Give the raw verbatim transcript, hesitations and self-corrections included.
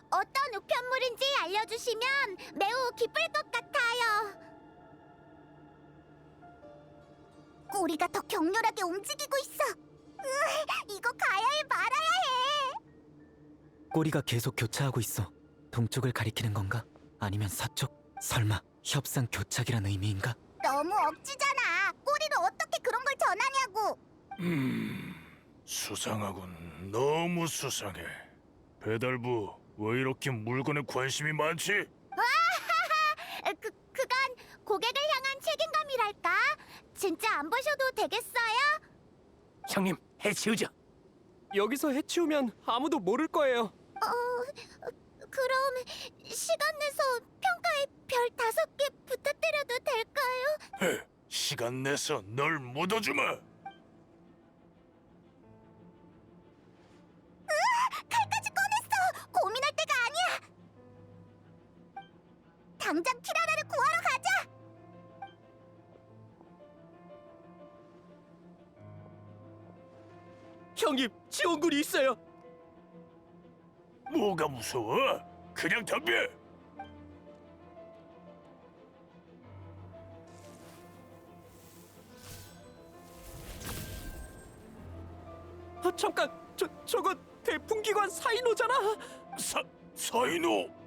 어떤 우편물인지 알려주시면 매우 기쁠 것 같아요. 꼬리가 더 격렬하게 움직이고 있어. 으, 이거 가야 해, 말아야 해. 꼬리가 계속 교차하고 있어. 동쪽을 가리키는 건가? 아니면 서쪽? 설마 협상 교착이란 의미인가? 너무 억지잖아. 꼬리를 어떻게 그런 걸 전하냐고. 음, 수상하군. 너무 수상해. 배달부, 왜 이렇게 물건에 관심이 많지? 그, 그건 고객을 향한 책임감이랄까? 진짜 안 보셔도 되겠어요? 형님, 해치우죠. 여기서 해치우면 아무도 모를 거예요. 어, 그럼 시간 내서 평가에 별 다섯 개 부탁드려도 될까요? 헤, 시간 내서 널 묻어주마. 칼까지 꺼냈어! 고민할 때가 아니야! 당장 키라라를 구하러 가자! 형님, 지원군이 있어요. 뭐가 무서워? 그냥 덤벼. 아, 잠깐, 저 저거 대풍기관 사인호잖아. 사, 사인호?